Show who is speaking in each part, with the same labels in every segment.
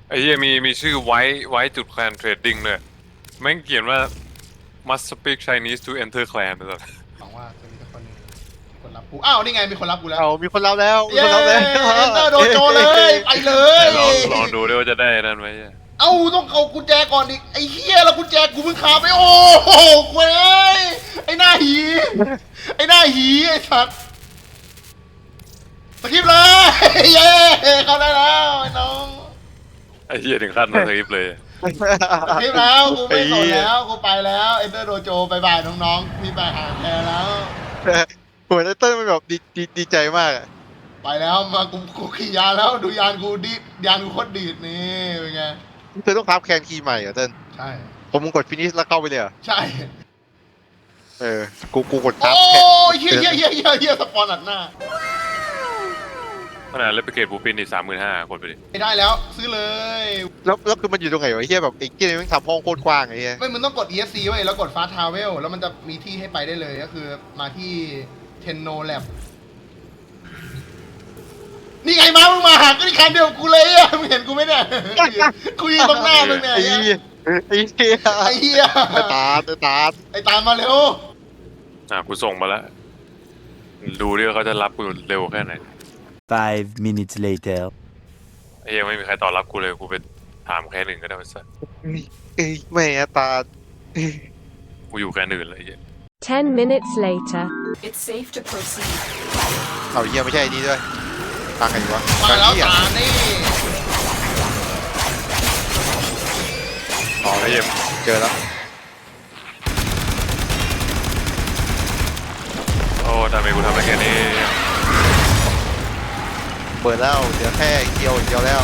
Speaker 1: ไอ้เหี้ยมีชื่อไว้จุดแคลนเทรดดิ้งเลยแม่งเขียนว่า must speak Chinese to enter clan เลย
Speaker 2: หวังว่าจะมีคนคนรับกูอ้าวนี่ไงมีคนรับกูแล้ว
Speaker 3: เอามีคนรับแล้วมี
Speaker 2: เย้
Speaker 3: คนรับแล้ว
Speaker 2: เอนเตอร์โดโจเลยไปเลย
Speaker 1: ลองดูด้วยว่าจะได้นั่นไหม
Speaker 2: เอ้าต้องเอากุญแจก่อนดิไอ้เหี้ยแล้วกุญแจกูเพิ่งคาไปโอ้โหเว้ยไอ้หน้าหีไอ้หน้าหีไอ้สัตว์สกิปเลยเย้เข้าได้แล้วไอ้น้อง
Speaker 1: ไอ้เหี้ยถึงขั้นมาสคริปต์เลย
Speaker 2: สกิปแล้วกูไม่สนแล้วกูไปแล้วเอนเตอร์โดโจบายบายน้องๆพี่ไปหาแทนแล้ว
Speaker 3: หัวเต้นมันแบบดีใจมากอะ
Speaker 2: ไปแล้วมากูขี่ยานแล้วดูยานกูดิยานกูโคตรดีดนี่เป็นไง
Speaker 3: เธอต้องทับแคนคีย์ใหม่เหรอเต้น
Speaker 2: ใช่
Speaker 3: ผมมึงกดฟินิชแล้วเข้าไปเลยเหรอ
Speaker 2: ใช่
Speaker 3: เออกูกดทับ
Speaker 2: โอ้
Speaker 3: แคน
Speaker 2: ยเฮียสปอนอัดหน้า
Speaker 1: ขนาดเลปเกตบูปินอีก35,000คนไปดิ
Speaker 2: ไม่ได้แล้วซื้อเลย
Speaker 3: แล้วคือมันอยู่ตรงไหนวะไอ้เฮียแบบไอ้เกียร์มันทำห้องโคตรกว้างไอ้เฮีย
Speaker 2: ไม่มึงต้องกด ESC ไว้แล้วกด Fast Travel แล้วมันจะมีที่ให้ไปได้เลยก็คือมาที่ Tenno Lab นี่ไงมามึงมาหาก็ที่คันเดียวกับกูเลยอ่ะมึงเห็นกูไหมเนี่ยกูยืนตรงหน้ามึงเนี่ย
Speaker 3: ไอ้เฮียไอ้เฮีย
Speaker 2: ไอ้เหี้ย
Speaker 3: ไอ้ตาไอ้ตา
Speaker 2: ไอ้ตามมาเร็ว
Speaker 1: กูส่งมาแล้ว ดูดิว่าเขาจะรับกูเร็วแค่ไหน
Speaker 4: 5 minutes later.
Speaker 1: ไอ้เหี้ยังไม่มีใครตอบรับกูเลยกูไปถามแค่หนึ่งก็ได้ไปซะ
Speaker 3: เอ้ยแม่ตา
Speaker 1: กูอยู่แค่หนึ่งเลยไอ้เหี้ย
Speaker 5: 10 minutes later.
Speaker 6: It's safe to proceed.
Speaker 3: เอาเฮียไม่ใช่นี่ด้วยฟังกันอยู่วะ
Speaker 2: มาแล้ว
Speaker 3: เหี้ย
Speaker 2: ตานี่
Speaker 1: อ๋อไอ้เหี้ย
Speaker 3: เจอแล้ว
Speaker 1: โอ้ทำไมกูทำได้แค่นี้
Speaker 3: เปิดแล้วเดี๋ยวแค่เกียวเดียวแล้ว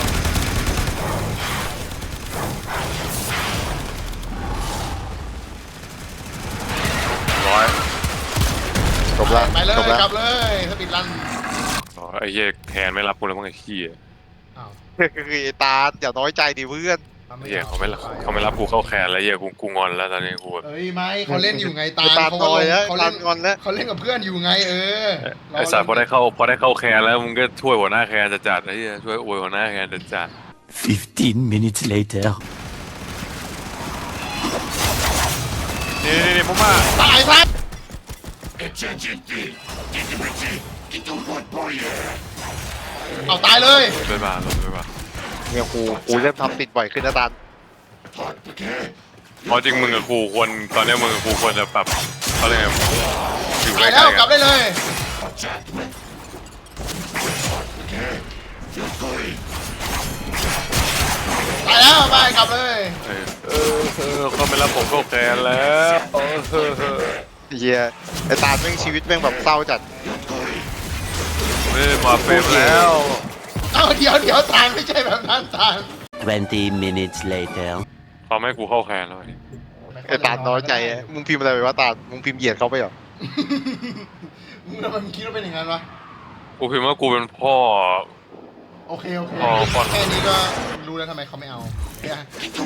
Speaker 1: ร้อย
Speaker 3: จบละ
Speaker 2: ไปเลย
Speaker 3: จบละ
Speaker 2: กลับเลยสปีดรัน
Speaker 1: อ๋อไอ้เหี้ยแทนไม่รับกูแล้วมั้งไอ้ขี้ย
Speaker 2: อ้าว
Speaker 3: คือไอ้ตาอย่าน้อยใจดิเพื่อน
Speaker 1: ไอ้เหี้ยเขาไม่รับกูเข้าแคนแล้วเหี้ยกูงอนแล้วตอนนี้กูแบบ
Speaker 2: เอ้ยไม่เขาเล่นอยู่ไงตา
Speaker 3: ตา
Speaker 2: เขา
Speaker 3: น้อยแล้ว
Speaker 2: เขา
Speaker 3: ตา
Speaker 2: เล่น
Speaker 3: งอนแล้ว
Speaker 2: เขาเล่นกับเพื่อนอยู่ไง
Speaker 1: ไอ้สารพอได้เข้าแคนแล้วมึงก็ช่วยหัวหน้าแคนจัดไอ้เหี้ยช่วยอวยหัวหน้าแคนจัด
Speaker 4: 15 minutes later.
Speaker 1: นี่ผมมา
Speaker 2: ตายซะเอาตายเลย
Speaker 1: ไปบ้านลงไปบ้าน
Speaker 3: เนี่ยกูเริ่มทำติดบ่อยขึ้นนะตาล
Speaker 1: เพราะจริงมึงกับกูควรตอนนี้มึงกับกูควรจะปรับเขาเรียกไงอยู่ใก
Speaker 2: ตาย
Speaker 1: ล้
Speaker 2: แล้ว
Speaker 1: ๆ
Speaker 2: กลั
Speaker 1: กับ น
Speaker 2: ได้เลยตายแล้วไปกลับเลย
Speaker 1: เขาไม่รับผมเข้าแคนแล้ว
Speaker 3: เฮียไอ้ตาลแม่งชีวิตแม่งแบบเศร้าจัด
Speaker 1: ไม่ได้มาเฟรมแล้ว
Speaker 2: เอาเดี๋ยวตาลไม่ใช่แบบนั้นตาล
Speaker 4: 20 minutes later.
Speaker 1: เขาไม่ให้กูเข้าแคนแล้ว
Speaker 3: ไอ้ตาลน้อยใจอะมึงพิมพ์อะไรไปวะตาลมึงพิมพ์เหยียดเขาไปเหรอ
Speaker 2: มึงทำไมมึงคิดว่าเป็นอย่างนั้นวะ
Speaker 1: กูพิมพ์ว่ากูเป็นพ่อ
Speaker 2: โอเค
Speaker 1: อ๋อก่อน
Speaker 2: แค่นี้ก็รู้แล้วทำไมเขาไม่เอาเนี่ย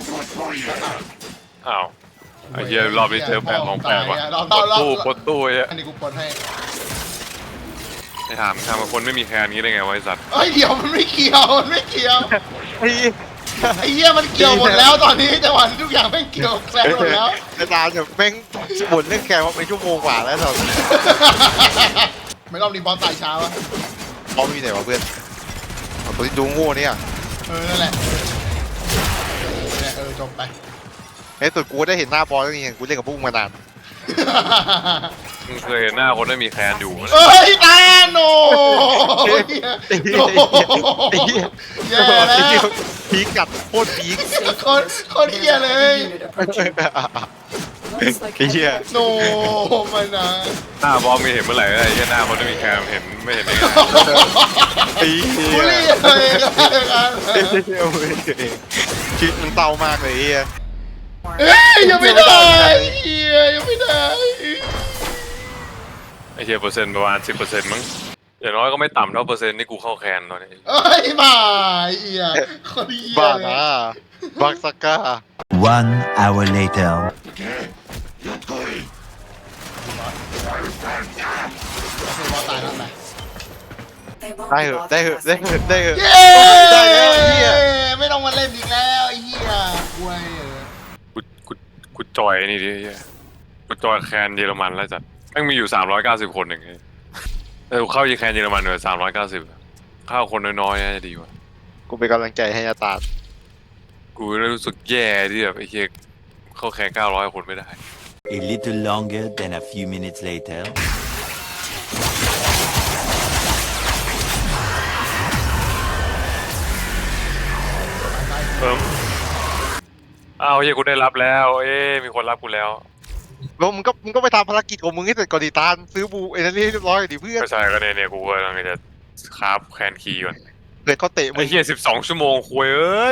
Speaker 1: อ้าวไอ้เหี้ยรอบนี้เจอแปลกของแปลกว่ะปดตู้ไอ้
Speaker 2: อันนี้กูปลดให้
Speaker 1: ไอ้ถามกับคนไม่มีแคนนี้ได้ไงวะไอ้สัตว์
Speaker 2: เอ้ยเดี๋ยวมันไม่เกี่ยวมันไม่เกี่ยว
Speaker 3: ไอ้
Speaker 2: ไอ้เหี้ยมันเกี่ยวหมดแล้วตอนนี้จังหวะนี้ทุกอย่างแม่งเกี่ยวแกลหมดแล้ว
Speaker 3: ไอ้ตาลแบบแม่งบ่นเรื่องแกมาเป็นชั่วโมงกว่าแล้วตอนนี้
Speaker 2: ไม่รอบนี้บอลตายช้าวะ
Speaker 3: พร้อมอยู่ไหนวะเพื่อนเอาตัวที่ดูโง่เนี่ย
Speaker 2: นั่นแหละจบไป
Speaker 3: ไอ้ตัวกูได้เห็นหน้าบอลแล้วนี่กูเล่นกับพวกมึงมานาน
Speaker 1: มึงเคยเห็นหน้าคนไม่มีแคนอยู่ไหม
Speaker 2: เอ้ยตาโนแย่แล้ว
Speaker 3: พีกกัดโคตรพีก
Speaker 2: โคตรเหี้ยเลย
Speaker 6: Unit approaching. Looks like
Speaker 3: ไอ้เหี้ย
Speaker 2: โนมันนะ
Speaker 1: หน้าบอมมีเห็นเมื่อไหร่ไอ้เหี้ยหน้าคนไม่มีแคนเห็นไม่เห็นได้ไง
Speaker 3: ไอ้เหี้
Speaker 2: บุ
Speaker 3: ย
Speaker 2: รีเลยกัน
Speaker 3: ชีวิตมันเศร้ามากเลยไอ้เหี้ย
Speaker 2: เอ้ยยังไม่ได้เฮียยังไม่ได้
Speaker 1: ไอ้เหี้ยเปอร์เซ็นต์ประมาณ10%มั้งอย่างน้อยก็ไม่ต่ำเท่าเปอร์เซ็นต์ที่กูเข้าแคนตอนนี้
Speaker 2: เอ้ยมาเฮียคนเฮีย
Speaker 3: บ้า
Speaker 2: เลย
Speaker 3: นะบักสก้า
Speaker 4: 1 hour later.
Speaker 2: บอลตายแล้วไหม
Speaker 6: They won't
Speaker 3: ได้
Speaker 6: be
Speaker 3: เหอะ
Speaker 6: bothered
Speaker 3: ได้เหอะ
Speaker 6: past
Speaker 3: ได้เหอะได้เหอะ
Speaker 2: เย้
Speaker 3: ได้แล้วเหี้ย
Speaker 2: ไม่ต้องมาเล่นอีกแล้
Speaker 1: กูกูจอยนี่ดิเหี้ยกูจอยแคนเยอรมันแล้วจัดแม่งมีอยู่390คนเองกูเข้าแคนเยอรมันเลย390เข้าคนน้อยๆน่าจะดีกว่า
Speaker 3: กูเป็นกำลังใจให้อาตาด
Speaker 1: กูรู้สึกแย่ที่แบบไอ้เหี้ยเข้าแคน900คนไม่ได้
Speaker 4: A little longer than a few minutes later.
Speaker 1: อ้าวเฮียกูได้รับแล้ว มีคนรับกูแล้ว
Speaker 3: แล้วมึงก็ไปทำภารกิจของมึงให้เสร็จก่อนดิตาลซื้อบูเอเนอรี่เรียบร้อยดิเพื่อน
Speaker 1: ไม่ใช่ก็เนี่ยกูกำลังจะคราฟแคนคีย์ก่อน
Speaker 3: เดี๋ยวเขาเตะมึ
Speaker 1: ไอ้
Speaker 3: ง
Speaker 1: เฮีย12 ชั่วโมงคุยเอ้ย